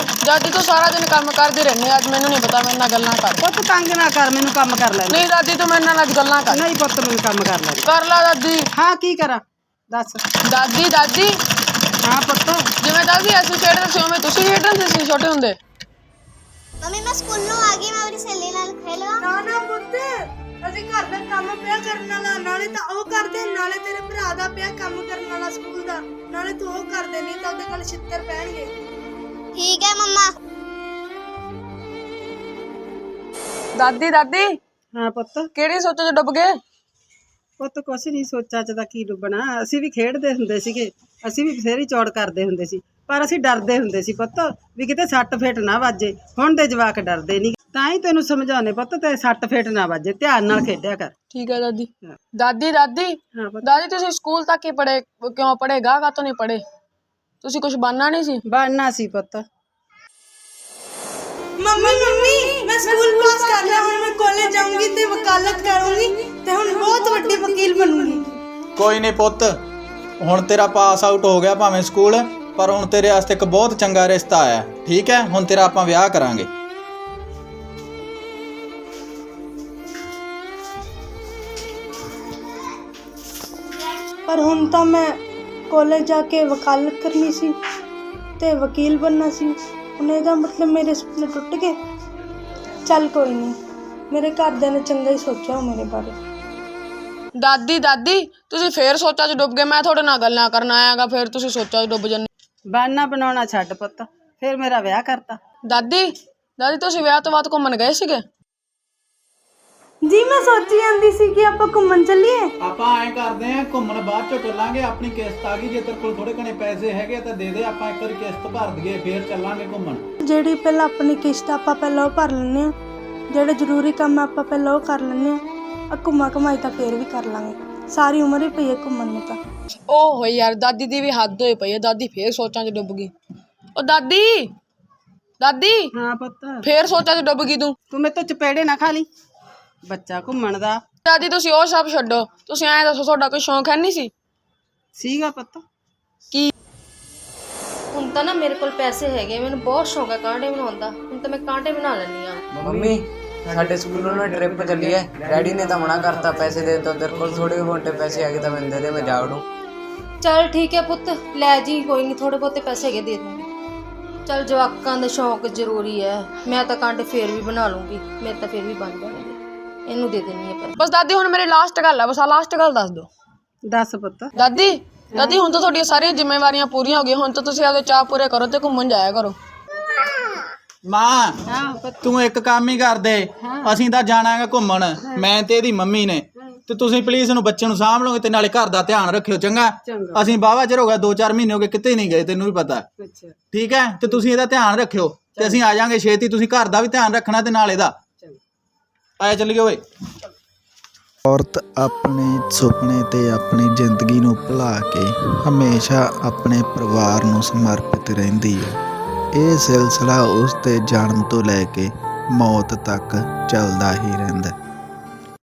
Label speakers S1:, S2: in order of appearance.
S1: ਦਾਦੀ ਤੂੰ ਸਾਰਾ ਦਿਨ ਕੰਮ ਕਰਦੀ ਰਹਿੰਦੀ, ਅੱਜ ਮੈਨੂੰ ਨਹੀਂ ਪਤਾ ਮੇਰੇ ਨਾਲ ਗੱਲਾਂ ਕਰ।
S2: ਪੁੱਤ ਤੰਗ ਨਾ ਕਰ, ਮੈਨੂੰ ਕੰਮ ਕਰ ਲੈ।
S1: ਨਹੀਂ ਦਾਦੀ ਤੂੰ ਮੇਰੇ ਨਾਲ ਅੱਜ ਗੱਲਾਂ ਕਰ।
S2: ਨਹੀਂ ਪੁੱਤ ਮੈਨੂੰ ਕੰਮ ਕਰ ਲੈ।
S1: ਕਰ ਲਾ ਦਾਦੀ।
S2: ਹਾਂ ਕੀ ਕਰਾਂ ਦੱਸ।
S1: ਦਾਦੀ ਦਾਦੀ
S2: ਹਾਂ ਪੁੱਤ।
S1: ਜਿਵੇਂ ਦਾਦੀ ਅਸੀਂ ਖੇਡਦੇ ਸੀ ਉਵੇਂ ਤੁਸੀਂ ਖੇਡਦੇ ਸੀ ਛੋਟੇ ਹੁੰਦੇ?
S3: ਮੰਮੀ ਮੈਂ ਸਕੂਲੋਂ ਆ ਗਈ, ਮੈਂ ਆਪਣੀ ਸਹੇਲੀ ਨਾਲ ਖੇਲਣਾ।
S4: ਨਾ ਨਾ ਪੁੱਤ, ਅਸੀਂ ਘਰ ਦਾ ਕੰਮ ਪਿਆ ਕਰਨ ਵਾਲਾ, ਨਾਲੇ ਤਾਂ ਉਹ ਕਰਦੇ, ਨਾਲੇ ਤੇਰੇ ਭਰਾ ਦਾ ਪਿਆ ਕੰਮ ਕਰਨ ਵਾਲਾ ਸਕੂਲ ਦਾ, ਨਾਲੇ ਤੂੰ ਉਹ ਕਰਦੇ ਨਹੀਂ ਤਾਂ ਉਹਦੇ ਕੋਲ ਛਿੱਤਰ ਪੈਣਗੇ।
S3: ਠੀਕ ਹੈ ਮੰਮਾ।
S1: ਦਾਦੀ ਦਾਦੀ
S2: ਹਾਂ ਪੁੱਤ।
S1: ਕਿਹੜੀ ਸੋਚ ਚ ਡੁੱਬ ਗਏ?
S2: ਪੁੱਤ ਕੁਛ ਨਹੀਂ, ਸੋਚਾਂ ਚ ਤਾਂ ਕੀ ਡੁੱਬਣਾ। ਅਸੀਂ ਵੀ ਖੇਡਦੇ ਹੁੰਦੇ ਸੀਗੇ, ਅਸੀਂ ਵੀ ਬਥੇਰੀ ਚੌੜ ਕਰਦੇ ਹੁੰਦੇ ਸੀ, ਪਰ ਅਸੀਂ ਡਰਦੇ ਹੁੰਦੇ ਸੀ ਪੁੱਤ ਵੀ ਕਿਤੇ ਸੱਟ ਫੇਟ ਨਾ ਵੱਜੇ। ਹੁਣ ਦੇ ਜਵਾਕ ਡਰਦੇ ਨਹੀਂ, ਤਾਂ ਹੀ ਤੈਨੂੰ ਸਮਝਾਉਣੇ ਪੁੱਤ ਤੇ ਸੱਟ ਫੇਟ ਨਾ ਵੱਜੇ, ਧਿਆਨ ਨਾਲ ਖੇਡਿਆ ਕਰ।
S1: ਠੀਕ ਹੈ ਦਾਦੀ। ਦਾਦੀ ਦਾਦੀ
S2: ਹਾਂ ਪੁੱਤ।
S1: ਦਾਦੀ ਤੁਸੀਂ ਸਕੂਲ ਤੱਕ ਹੀ ਪੜ੍ਹੇ, ਕਿਉਂ ਪੜ੍ਹੇ? ਗਾਹ ਤੋਂ ਨਹੀਂ ਪੜ੍ਹੇ? ਤੁਸੀਂ ਕੁਝ ਬਣਨਾ ਨਹੀਂ ਸੀ?
S2: ਬਣਨਾ ਸੀ ਪੁੱਤ।
S4: ਮੰਮੀ ਮੈਂ ਸਕੂਲ ਪਾਸ ਕਰ ਲਿਆ, ਹੁਣ ਮੈਂ ਕਾਲਜ ਜਾਊਂਗੀ ਤੇ ਵਕਾਲਤ ਕਰੂੰਗੀ ਤੇ ਹੁਣ ਬਹੁਤ ਵੱਡੀ ਵਕੀਲ ਬਣੂੰਗੀ।
S5: ਕੋਈ ਨਹੀਂ ਪੁੱਤ, ਹੁਣ ਤੇਰਾ ਪਾਸ ਆਊਟ ਹੋ ਗਿਆ ਭਾਵੇਂ ਸਕੂਲ, ਪਰ ਹੁਣ ਤੇਰੇ ਵਾਸਤੇ ਇੱਕ ਬਹੁਤ ਚੰਗਾ ਰਿਸ਼ਤਾ ਆਇਆ। ਠੀਕ ਹੈ, ਹੁਣ ਤੇਰਾ ਆਪਾਂ ਵਿਆਹ ਕਰਾਂਗੇ।
S4: ਪਰ ਹੁਣ ਤਾਂ ਮੈਂ ਕਾਲਜ ਜਾ ਕੇ ਵਕਾਲਤ ਕਰਨੀ ਸੀ ਤੇ ਵਕੀਲ ਬਣਨਾ ਸੀ। ਹੁਣ ਇਹਦਾ ਮਤਲਬ ਮੇਰੇ ਸੁਪਨੇ ਟੁੱਟ ਗਏ। ਚੱਲ ਕੋਈ ਨਹੀਂ, ਮੇਰੇ ਘਰਦਿਆਂ ਨੇ ਚੰਗਾ ਹੀ ਸੋਚਿਆ ਮੇਰੇ ਬਾਰੇ।
S1: ਦਾਦੀ ਦਾਦੀ ਤੁਸੀਂ ਫੇਰ ਸੋਚਾਂ 'ਚ ਡੁੱਬ ਗਏ। ਮੈਂ ਤੁਹਾਡੇ ਨਾਲ ਗੱਲਾਂ ਕਰਨ ਆਇਆਗਾ, ਫੇਰ ਤੁਸੀਂ ਸੋਚਾਂ 'ਚ ਡੁੱਬ ਜਾਂਦੇ।
S2: ਬਣਨਾ ਬਣਾਉਣਾ ਛੱਡ ਪੁੱਤ, ਫਿਰ ਮੇਰਾ ਵਿਆਹ ਕਰਤਾ।
S1: ਦਾਦੀ ਦਾਦੀ ਤੁਸੀਂ ਵਿਆਹ ਤੋਂ ਬਾਅਦ ਘੁੰਮਣ ਗਏ ਸੀਗੇ?
S4: ਜੀ ਮੈਂ ਸੋਚੀ ਜਾਂਦੀ ਸੀ ਕਿ ਆਪਾਂ ਘੁੰਮਣ ਚੱਲੀਏ।
S5: ਆਪਾਂ ਐਂ ਕਰਦੇ ਆਂ, ਘੁੰਮਣ ਬਾਅਦ ਚੋਂ ਚੱਲਾਂਗੇ। ਆਪਣੀ ਕਿਸ਼ਤ ਆ ਗਈ, ਜੇ ਤੇਰੇ ਕੋਲ ਥੋੜੇ ਘਣੇ ਪੈਸੇ ਹੈਗੇ ਤਾਂ ਦੇ ਦੇ, ਆਪਾਂ ਇੱਕ ਵਾਰੀ ਕਿਸ਼ਤ ਭਰ ਦਈਏ, ਫੇਰ ਚੱਲਾਂਗੇ ਘੁੰਮਣ।
S4: ਜਿਹੜੀ ਪਹਿਲਾਂ ਆਪਣੀ ਕਿਸ਼ਤ ਆਪਾਂ ਪਹਿਲਾਂ ਉਹ ਭਰ ਲੈਂਦੇ ਹਾਂ, ਜਿਹੜੇ ਜ਼ਰੂਰੀ ਕੰਮ ਆਪਾਂ ਪਹਿਲਾਂ ਉਹ ਕਰ ਲੈਂਦੇ ਹਾਂ, ਆ ਘੁੰਮਾ ਘਮਾਈ ਤਾਂ ਫੇਰ ਵੀ ਕਰ ਲਾਂਗੇ। ਸਾਰੀ ਉਮਰ ਹੀ ਪਈ ਹੈ ਘੁੰਮਣ ਨੂੰ ਤਾਂ।
S1: ਓ ਹੋਈ ਯਾਰ, ਦਾਦੀ ਦੀ ਵੀ ਹੱਦ ਹੋਈ ਪਈ ਹੈ। ਦਾਦੀ ਫੇਰ ਸੋਚਾਂ 'ਚ ਡੁੱਬ ਗਈ। ਓ ਦਾਦੀ ਦਾਦੀ
S2: ਹਾਂ ਪੁੱਤ।
S1: ਫੇਰ ਸੋਚਾਂ 'ਚ ਡੁੱਬ ਗਈ ਤੂੰ।
S2: ਤੂੰ ਮੇਰੇ ਤੋਂ ਚਪੇੜੇ ਨਾ ਖਾ ਲਈ, ਬੱਚਾ ਘੁੰਮਣ ਦਾ।
S1: ਦਾਦੀ ਤੁਸੀਂ ਉਹ ਸਭ ਛੱਡੋ, ਤੁਸੀਂ ਐਂ ਦੱਸੋ ਤੁਹਾਡਾ ਕੋਈ ਸ਼ੌਂਕ ਹੈ ਨਹੀਂ ਸੀ?
S2: ਸੀਗਾ ਪੁੱਤ।
S1: ਕੀ?
S6: ਹੁਣ ਤਾਂ ਨਾ ਮੇਰੇ ਕੋਲ ਪੈਸੇ ਹੈਗੇ, ਮੈਨੂੰ ਬਹੁਤ ਸ਼ੌਂਕ ਹੈ ਕਾਂਟੇ ਬਣਾਉਣ ਦਾ। ਹੁਣ ਤਾਂ ਮੈਂ ਕਾਂਟੇ ਬਣਾ ਲੈਂਦੀ ਹਾਂ।
S7: ਮੰਮੀ ਸਾਡੇ ਸਕੂਲੋਂ ਨਾ ਟ੍ਰਿਪ ਚੱਲੀ ਹੈ, ਡੈਡੀ ਨੇ ਤਾਂ ਮਨਾ ਕਰਤਾ ਪੈਸੇ ਦੇ ਤੋਂ। ਤੇਰੇ ਕੋਲ ਥੋੜੇ ਬਹੁਤੇ ਪੈਸੇ ਆ ਗਏ ਤਾਂ ਮੈਨੂੰ ਦੇ ਦੇ, ਮੈਂ ਜਾ ਵੜੂ।
S6: ਚੱਲ ਠੀਕ ਹੈ ਪੁੱਤ, ਲੈ ਜੀ, ਕੋਈ ਨਹੀਂ, ਥੋੜੇ ਬਹੁਤੇ ਪੈਸੇ ਹੈਗੇ ਦੇ ਦੂੰਗੀ। ਚੱਲ ਜਵਾਕਾਂ ਦੇ ਸ਼ੌਂਕ ਜ਼ਰੂਰੀ ਹੈ, ਮੈਂ ਤਾਂ ਕਾਂਟੇ ਫੇਰ ਵੀ ਬਣਾ ਲੂੰਗੀ, ਮੇਰੇ ਤਾਂ ਫੇਰ ਵੀ ਬਣ ਜਾਣਗੇ। ਇਹਨੂੰ ਦੇ ਦੇਣੀ ਹੈ ਪੈਸੇ।
S1: ਬਸ ਦਾਦੀ ਹੁਣ ਮੇਰੀ ਲਾਸਟ ਗੱਲ ਹੈ, ਬਸ ਆ ਲਾਸਟ ਗੱਲ ਦੱਸ ਦਿਓ।
S2: ਦੱਸ ਪੁੱਤ।
S1: ਦਾਦੀ ਦਾਦੀ ਹੁਣ ਤਾਂ ਤੁਹਾਡੀਆਂ ਸਾਰੀਆਂ ਜ਼ਿੰਮੇਵਾਰੀਆਂ ਪੂਰੀਆਂ ਹੋ ਗਈਆਂ, ਹੁਣ ਤਾਂ ਤੁਸੀਂ ਆਪਦੇ ਚਾਅ ਪੂਰੇ ਕਰੋ ਤੇ ਘੁੰਮਣ ਜਾਇਆ ਕਰੋ।
S5: ਮਾਂ ਤੂੰ ਇੱਕ ਕੰਮ ਹੀ ਕਰ ਦੇ, ਅਸੀਂ ਤਾਂ ਜਾਣਾਗਾ ਘੁੰਮਣ, ਮੈਂ ਤੇ ਇਹਦੀ ਮੰਮੀ ਨੇ, ਤੇ ਤੁਸੀਂ ਪਲੀਜ਼ ਇਹਨੂੰ ਬੱਚੇ ਨੂੰ ਸਾਂਭ ਲਓਗੇ ਤੇ ਨਾਲੇ ਘਰ ਦਾ ਧਿਆਨ ਰੱਖਿਓ। ਚੰਗਾ? ਅਸੀਂ ਬਾਵਾ ਚਿਰ ਹੋ ਗਿਆ, 2-4 ਮਹੀਨੇ ਹੋ ਗਏ ਕਿਤੇ ਨਹੀਂ ਗਏ, ਤੈਨੂੰ ਵੀ ਪਤਾ। ਠੀਕ ਹੈ, ਤੇ ਤੁਸੀਂ ਇਹਦਾ ਧਿਆਨ ਰੱਖਿਓ ਤੇ ਅਸੀਂ ਆ ਜਾਾਂਗੇ ਛੇਤੀ। ਤੁਸੀਂ ਘਰ ਦਾ ਵੀ ਧਿਆਨ ਰੱਖਣਾ ਤੇ ਨਾਲ ਇਹਦਾ। ਆਇਆ ਚੱਲੀਏ ਓਏ।
S8: ਔਰਤ ਆਪਣੇ ਸੁਪਨੇ ਤੇ ਆਪਣੀ ਜ਼ਿੰਦਗੀ ਨੂੰ ਭੁਲਾ ਕੇ ਹਮੇਸ਼ਾ ਆਪਣੇ ਪਰਿਵਾਰ ਨੂੰ ਸਮਰਪਿਤ ਰਹਿੰਦੀ ਹੈ। ਇਹ ਸਿਲਸਿਲਾ ਉਸ ਦੇ ਜਨਮ ਤੋਂ ਲੈ ਕੇ ਮੌਤ ਤੱਕ ਚੱਲਦਾ ਹੀ ਰਹਿੰਦਾ।